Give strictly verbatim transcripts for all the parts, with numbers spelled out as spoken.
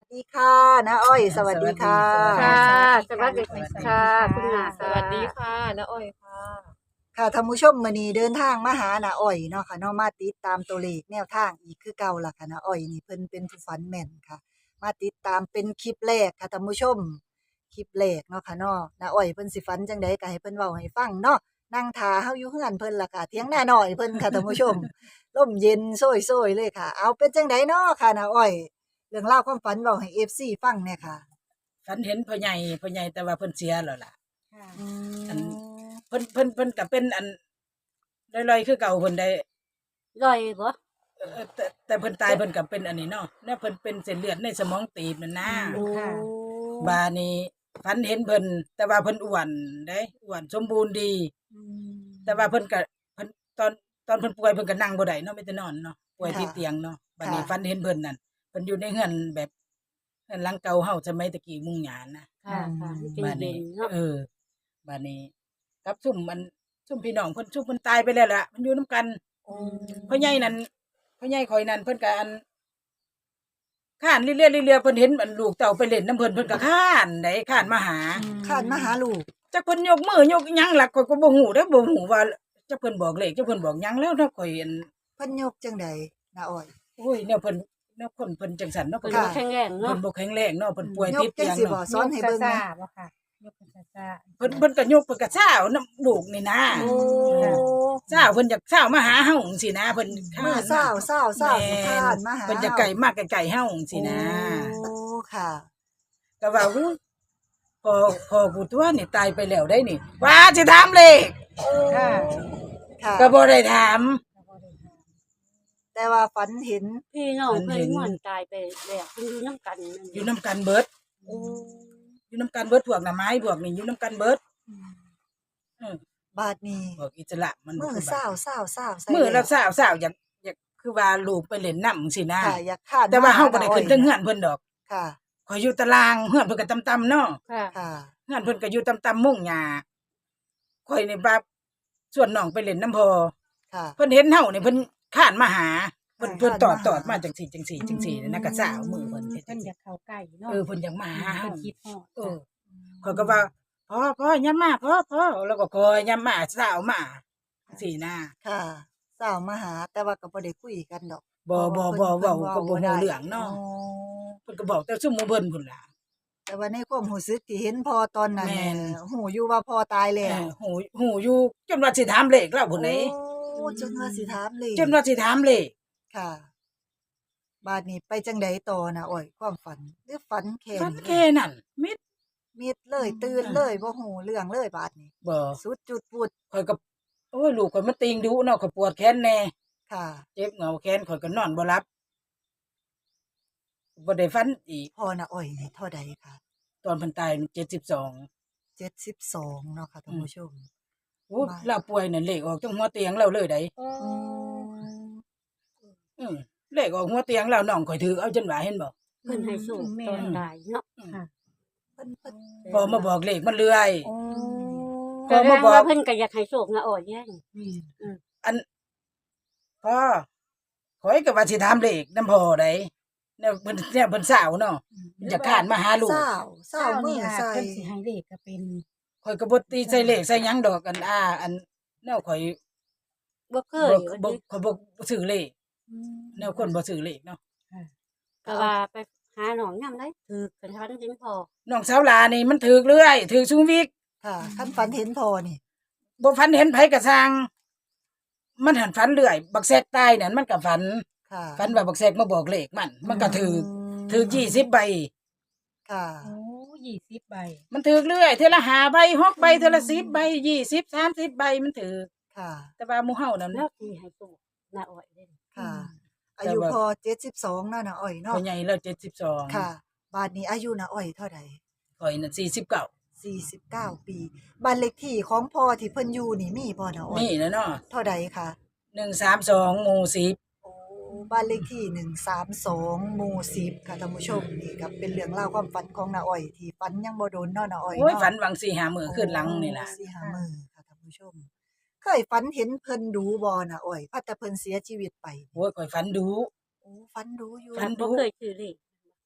ดีค่ะน้าอ้อยสวัสดีค่ะค่ะสวัสดีสวัสดีค่ะค่ะคุณหนาสวัสดีค่ะน้าอ้อยค่ะค่ะท่านผู้ชมมื้อนี้เดินทางมาหาน้าอ้อยเนาะค่ะเนาะมาติดตามตัวเลขแนวทางอีกคือเก่าล่ะค่ะน้าอ้อยนี่เพิ่นเป็นผู้ฝันแม่นค่ะ มาติดตามเป็นคลิปแรกค่ะท่านผู้ชมคลิปแรกเนาะค่ะเนาะน้าอ้อยเพิ่นสิฝันจังใดก็ให้เพิ่นเว้าให้ฟังเนาะนั่งท่าเฮาอยู่เฮือนเพิ่นล่ะค่ะเถียงนาน้อยเพิ่นค่ะท่านผู้ชมลมเย็นโซยๆเลยค่ะ เอาเป็นจังไดเนาะค่ะน้าอ้อยเรื่องราวความฝันเว้าให้ เอฟ ซี ฟังแหน่ค่ะฝันเห็นพ่อใหญ่พ่อใหญ่แต่ว่าเพิ่นเสียแล้วล่ะอือันมเพิ่นเพิ่นเพิ่นก็เป็นอันลอยๆคือเก่าเพิ่นได้ลอยบ่เอ่อแต่แต่เพิ่นตายเพิ่นก็เป็นอันนี้เนาะแล้วเพิ่นเป็นเส้นเลือดในสมองตีบนั่นนะโอ้บาดนี้ฝันเห็นเพิ่นแต่ว่าเพิ่นอ้วนได้อ้วนสมบูรณ์ดี แต่ว่าเพิ่นก็เพิ่นตอนตอนเพิ่นป่วยเพิ่นก็นั่งบ่ได้เนาะมีแต่นอนเนาะป่วยติดเตียงเนาะบัดนี้ฝันเห็นเพิ่นนั่นเพิ่นอยู่ในเรือนแบบเรือนหลังเก่าเฮาสมัยตะกี้มุงหญ้านะค่ะค่ะเป็นบาดเย็นี้นเนาะเออบาดนี้กับซุ่มมันซุ่มพี่น้องเพิ่นซุ่มเพิ่นตายไปแล้วล่ะมันอยู่นํกันพ่อใหญ่นั่นพ่อใหญ่ข่อยนั่นเพิ่นก็อันข้านเรื่อยๆเรื่อยๆเพิ่นเห็นอันลูกเต่าไปเล่นน้ำเพิ่นเพิ่นก็ข้านได้ข้านมาหาข้านมาหาลูกจักเพิ่นยกมือยกหยังล่ะข่อยก็บ่ฮู้เด้อบ่ฮู้ว่าจักเพิ่นบอกเลขจักเพิ่นบอกหยังแล้วเนาะข่อยอันเพิ่นยกจังใดน้าอ้อยโอ้ยแนวเพิ่นแนวคนเพิ่นจังซั่นเนาะเพิ่เพิ่นนบ่แข็งแรงเพิ่เนาะนบ่แข็งแรงเนาะเพิ่นป่วยยติกดจังเตียงสิบ่เนาะสอนให้เบิ่งแหน่บ่ค่ะยกเป็นซ่าเพิ่นเพิ่นก็ยกเพิ่นก็ซ่าวน้ำลูกนี่นะโอ้ซ่าวเพิ่นอยากซ่าวมาหาเฮาจังซี่นะเพิ่นมื้อเช้าเช้าเช้าสิข้านมาหาเพิ่นจะไกลมากไกลๆเฮาจังซี่นะโอ้ค่ะก็ว่าอู้พอพอกูตัวนี่ตายไปแล้วได้นี่ว่าสิถามเลขๆค่ะค่ะก็บ่ได้ถามแต่ว่าฝันเห็นพี่น้องเพิ่เพิ่นนเห็นม่วนตายไปแล้วเพิ่นอยู่นํกันนั่นอยู่นํกันเบิดโอ้อยู่นํกันเบิดพวกหน่อไม้พวกนี่อยู่นํกันเบิดเออบาดนี้พวกอิสระมันบ่มื้อคือเช้าบ้านเช้าเช้าใส่มื้อละแล้วซ่าวซ่าวอยากอยากคือว่าลูกไปเล่นน้ำจังซี่นะค่ะอยากข้านแต่ว่าเฮาหบ่ได้ขึ้นถึงเฮือนเพิ่นดอกค่ะข่อยอยู่ตารางเฮือนเพิ่นก็ต่ำๆเนาะค่ะค่ะเฮือนเพิ่นก็อยู่ต่ำๆมุงหญ้าข่อยนี่บาส่วนน้องไปเล่นน้ำพอค่ะเพิ่นเห็นเฮานี่เพิ่นข้านมาหาเพิ่นค่ะเพิ่นตอดข้านมาหาตอดมาจังซี่จังซี่จังซี่นะก็สาวมือเพิ่นเฮ็ดเพิ่จันงอซี่ยากเข้าใกล้เนาะเออเพิ่นอยากมาหาเพิ่เฮานคิดฮอดเออข่อยก็ว่าพ่อพ่อยามมาพ่อพ่อแล้วก็คอยยามมาสาวมาจังซี่นะค่ะเช้ามาหา แต่ว่าก็บ่ได้คุยกันดอกบ่บ่บ่เว้าก็บ่ฮู้เรื่องเนาะอ๋อเพิ่นก็บอกแต่ซุมหมู่เพิ่นพุ่นล่ะแต่ว่าในความรู้สึกที่เห็นพ่อตอนนั้นแม่นน่ะฮู้อยู่ว่าพ่อตายเอแล้วอฮู้ฮู้อยู่จนว่าสิถามเลขแล้วพุ่นเด้โอ้จนว่าสิถามเลยจนว่าสิถามเลขค่ะ บาดนี้ไปจังใดต่อนะอ้อยความฝันหรือฝันแค่ฟันนี้แค่นั้นมิดมิดเลยตื่นเลยบ่ฮู้เรื่องเลยบาดนี้บ่สุดจุดปุดข่อยก็โอ้ยลูกข่อยมันติงดุเนาะข่อยปวดแขนแน่ค่ะเจ็บเหงาแขนข่อยก็นอนบ่หลับบ่ได้ฝันอีกพ่อน่ะอ้อยนี่เท่าใดคะตอนเพิ่นตายเจ็ดสิบสองเจ็ดสิบสองเนาะค่ะท่านผู้ชมโอ้มาเราป่วยนั่นเลขออกจังหัวเตียงเราเลยได้อืมอือเลขออกหัวเตียงเราน้องข่อยถือเอาจนว่าเห็นบ่เพิ่นให้สู้ตอนตายเนาะเพิ่นเพิ่นพอมาบอกเลขมันเลื่อยโอ้พอแสดมาง บอกว่าเพิ่นก็อยากให้โชคนะอ้อยแย่งนี่อันพ่อข่อยก็ว่าสิถามเลขนำพ่อได้แนวเพิ่นแนวเพิ่นสาวเนาะอยากข้านมาหาลูกเศร้าเศร้ามืออาจใส่เพิ่นสิให้เลขก็เป็นข่อยก็บ่ตีใส่เลขใส่หยังดอกอันอ่าอันแนวข่อยบ่เคบ่ยบ่ข่อยบ่ซื้อเลขแนวคนบ่ซื้อเลขเนาะก็ว่าไปหาน้องยามใดถือกันทันจริงพอน้องสาวหลานี่มันถูกเรื่อยถูกซุวิกค่ะคันฝันเห็นพ่อนี่บ่ฝันเห็นไผก็สร้าง มันหันฝันเรื่อยบักแซกตายนั่นมันก็ฝันค่ะฝันว่าบักแซกมาบอกเลขมัน มันก็ถูกถูกยี่สิบใบค่ะโอ้ยี่สิบใบมันถูกเรื่อยเทื่อละห้าใบหกใบเทื่อละสิบใบยี่สิบ สามสิบใบมันถูกค่ะแต่ว่าหมู่เฮานั่นแล้วสิให้โชคนะอ้อยเด้ค่ะแต่อายุว่าพอเจ็ดสิบสองเนาะนะอ้อยเนาะพ่อใหญ่แล้วเจ็ดสิบสองค่ะ บาดนี้อายุนะอ้อยเท่าใดข่อยน่ะสี่สิบเก้าสี่สิบเก้าปีบ้านเลขที่ของพ่อที่เพิ่นอยู่นี่มีบ่นะอ้อยนี่นะเนาะเท่าใดคะหนึ่งสามสองหมู่สิบโอ้บ้านเลขที่หนึ่งสามสองหมู่สิบค่ะท่านผู้ชมนี่ก็เป็นเรื่องราวความฝันของน้าอ้อยที่ฝันยังบ่โดนเนาะน้าอ้อยโอ้ยเนาะฝันวังสี่หามื้อขึ้นหลังนี่ล่ะโอ้สี่ห้ามื้อค่ะท่านผู้ชม เคยฝันเห็นเพิ่นดูบ่น้าอ้อยพัดแต่เพิ่นเสียชีวิตไปโอ้ยข่อยฝันดูโอ้ฝันดูอยู่ฝันบ่เคยถือเลขโต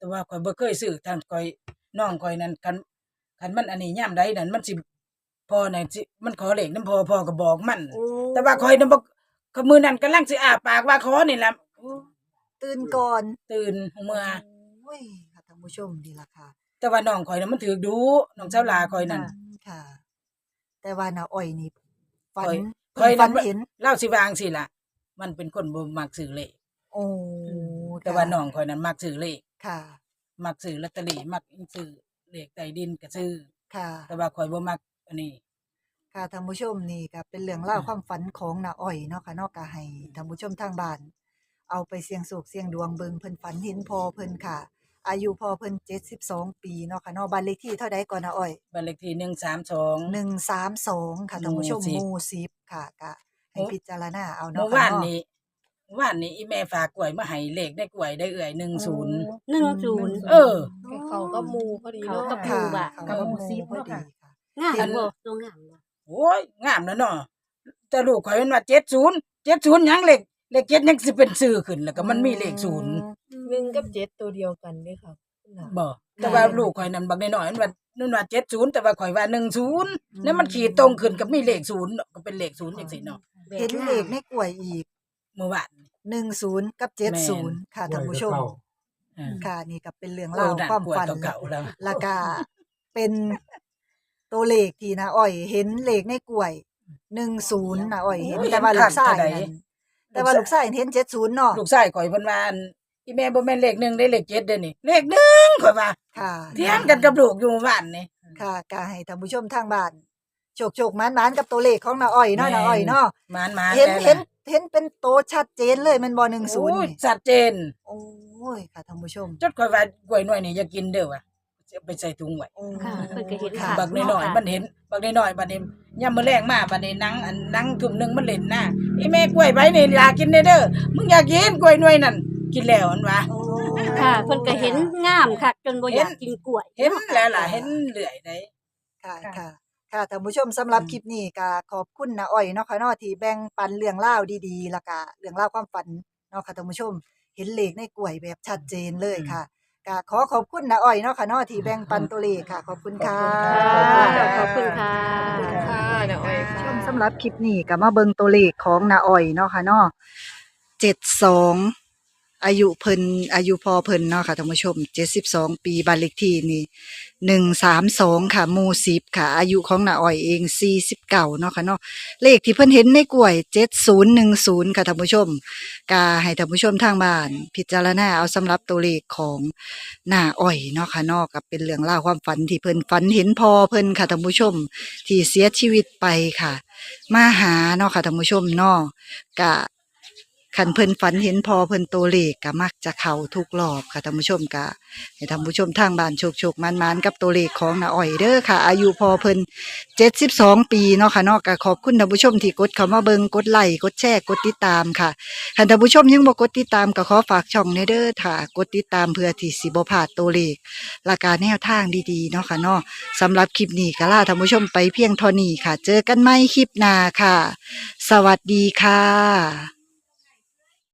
แต่ว่าข่อยบ่เคยซื้อทางข่อยน้องข่อยนั่นคันคันมันอันนี้ยามใดนั่นมันสิพ่อน่ะสิมันขอเลขนำพ่อพ่อก็บอกมันโอ้แต่ว่าข่อยน่ะบ่ก็มื้อนั้นกำลังสิอ้าปากว่าขอนี่ล่ะโอ้ตื่นก่อนตื่นหัวเมื่อโอ้ยค่ะท่านผู้ชมดีล่ะค่ะแต่ว่าน้องข่อยน่ะมันถูกดูน้องสาวหลาข่อยนั่นอืมค่ะ แต่ว่าน้าอ้อยนี่ฝันข่อยข่อยฝันั่นนเห็นเล่าสิวาจั่งสิล่ะ มันเป็นคนบ่มักซื้อเลขโอ้แต่ว่าน้องข่อยนั้นมักซื้อเลขค่ะมักซื้อลอตเตอรี่มักซื้อเลขใต้ดินก็ซื้อค่ะแต่ว่าข่อยบ่มักอันนี้ค่ะท่านผู้ชมนี่ก็เป็นเรื่องเล่าวความฝันของน้าอ้อยเนาะค่ะเนาะก็ให้ท่านผู้ชมทางบ้าน เอาไปเสี่ยงโชคเสี่ยงดวงเบิ่งเพิ่นฝันเห็นพ่อเพิ่นค่ะ อายุพ่อเพิ่นเจ็ดสิบสองปีเนาะค่ะเนาะบ้านเลขที่เท่าใดก่อนน้าอ้อยบ้านเลขที่หนึ่งสามสองหนึ่งสามสองค่ะท่านผู้ชมหมู่สิบหมู่สิบค่ะก็ให้พิจารณาเอาเมื่เนาะอค่ะวานเนาะนี้เมื่อวานนี้อีแม่ฝากกล้วยมาให้เลขได้กล้วยได้เอื่อยหนึ่งศูนย์หนึ่งศูนย์เออเขาก็มูพอดีเขาเนาะกับค่ะหมู่บ่ะเขาก็หมู่สิบพอดีค่ะงามอันบ่ตัวงามบ่โอ้ยงามแล้วเนาะแต่ลูกข่อยมันว่าเจ็ดศูนย์เจ็ดศูนย์หยังเลขเลขเจ็ดยังสิเป็นชื่อขึ้นแล้วก็มันมีเลขศูนย์หนึ่งกับเจ็ดตัวเดียวกันเด้ค่ะคุณน่ะบ่แต่ว่าลูกข่อยนั่นบักน้อยๆมันว่านั่นว่าเจ็ดศูนย์แต่ว่าข่อยว่าหนึ่งศูนย์แล้วมันขีดตรงขึ้นกับมีเลขศูนย์เนาะก็เป็นเลขศูนย์จังซี่เนาะเห็นเลขในกล้วยอีกเมื่อวานหนึ่งศูนย์กับเจ็ดศูนย์ค่ะท่านผู้ชมเออค่ะนี่ก็เป็นเรื่องเล่าเล่าวดันความกล้วยฝันเก่าๆแล้วแล้วก็เป็นตัวเลขที่นะอ้อย เห็นเลขในกล้วยหนึ่งศูนย์นะอ้อยเห็นโอ้ยแต่ว่าเห็นลูกชายคักเท่าใดนั่นแต่ว่าลูกชายเห็นเจ็ดศูนย์เนาะลูกชายข่อยเพิ่นว่าอันอีแม่บ่แม่นเลขหนึ่งได้เลขเจ็ดเด้อนี่เลขหนึ่งข่อยว่าค่ะเถียงกันกับลูกอยู่เมื่อวานนี่ค่ะก็ให้ท่านผู้ชมทางบ้านโชคโชคๆหมานๆกับตัวเลขของน้าอ้อยเนาะน้าอ้อยเนาะมานๆเห็นแล้วะเห็นเห็นเป็นโตชัดเจนเลยแมันบ่หนึ่งศูนย์โอ้ยนี่ชัดเจนโอ้ยค่ะท่านผู้ชมจดข่อยว่ากล้วยน้อยนี่อย่ากินเด้อว่ะจะไปใส่ถุงไว้โอ้ค่ะเพิ่นก็เห็นค่ะค่ะบักน้อยๆมันเห็นบักน้อยๆบัดนี้ยามมื้อแลงมาบัดนี้หนังอันหนังทุ่มหนึงมันเล่นน่ะอีแม่กล้วยไว้นี่อยากกินเด้อเด้อมึงอยากกินกล้วยน้อยนั่นกินแล้วอันว่าโอ้ค่ะเพิ่นก็เห็นงามคักจนบ่อยากกินกล้วยเห็นแล้วล่ะเห็นเรื่อยได้ค่ะค่ะค่ะท่านผู้ชมสำหรับคลิปนี้ก็ขอบคุณน้าอ้อยเนาะค่ะเนาะที่แบ่งปันเรื่องราวดีๆแล้วก็เรื่องราวความฝันเนาะค่ะท่านผู้ชม เห็นเลขในกล้วยแบบชัดเจนเลยค่ะก็ขอขอบคุณน้าอ้อยเนาะค่ะเนาะที่แบ่งปันตัวเลขค่ะ ขอบคุณค่ะค่ะขอบคุณค่ะค่ะนะอ้อยค่ะชมสำหรับคลิปนี้ก็มาเบิ่งตัวเลขของน้าอ้อยเนาะค่ะเนาะเจ็ดสองอายุเพิ่นอายุพอเพิ่นเนาะค่ะท่านผู้ชมเจ็ดสิบสองปีบ้านเลขที่นี่หนึ่งสามสองค่ะหมู่สิบค่ะ อายุของน้าอ้อยเองสี่สิบเก้าเนาะค่ะเนาะเลขที่เพิ่นเห็นในกล้วยเจ็ดศูนย์หนึ่งศูนย์ค่ะท่านผู้ชมก็ให้ท่านผู้ชมทางบ้าน พิจารณาเอาสำหรับตัวเลขของน้าอ้อยเนาะค่ะเนาะก็เป็นเรื่องราวความฝันที่เพิ่นฝันเห็นพอเพิ่นค่ะท่านผู้ชม ที่เสียชีวิตไปค่ะ มาหาเนาะค่ะท่านผู้ชมเนาะกะคันเพิ่นฝันเห็นพอเพิ่นตัวเลขก็มักจะเข้าทุกรอบค่ะท่านผู้ชมกะให้ท่านผู้ชมทางบ้านโชคๆมันๆกับตัวเลขของน้าอ้อยเด้อค่ะ อายุพอเพิ่นเจ็ดสิบสองปีเนาะค่ะเนาะก็ขอบคุณท่านผู้ชมที่กดเข้ามาเบิ่งกดไลค์กดแชร์กดติดตามค่ะถ้าท่านผู้ชมยังบ่กดติดตามก็ขอฝากช่องแน่เด้อค่ะกดติดตามเพื่อที่สิบ่พลาดตัวเลขและการแนวทางดีๆเนาะค่ะเนาะ สำหรับคลิปนี้ก็ลาท่านผู้ชมไปเพียงเท่านี้ค่ะ เจอกันใหม่คลิปหน้าค่ะ สวัสดีค่ะ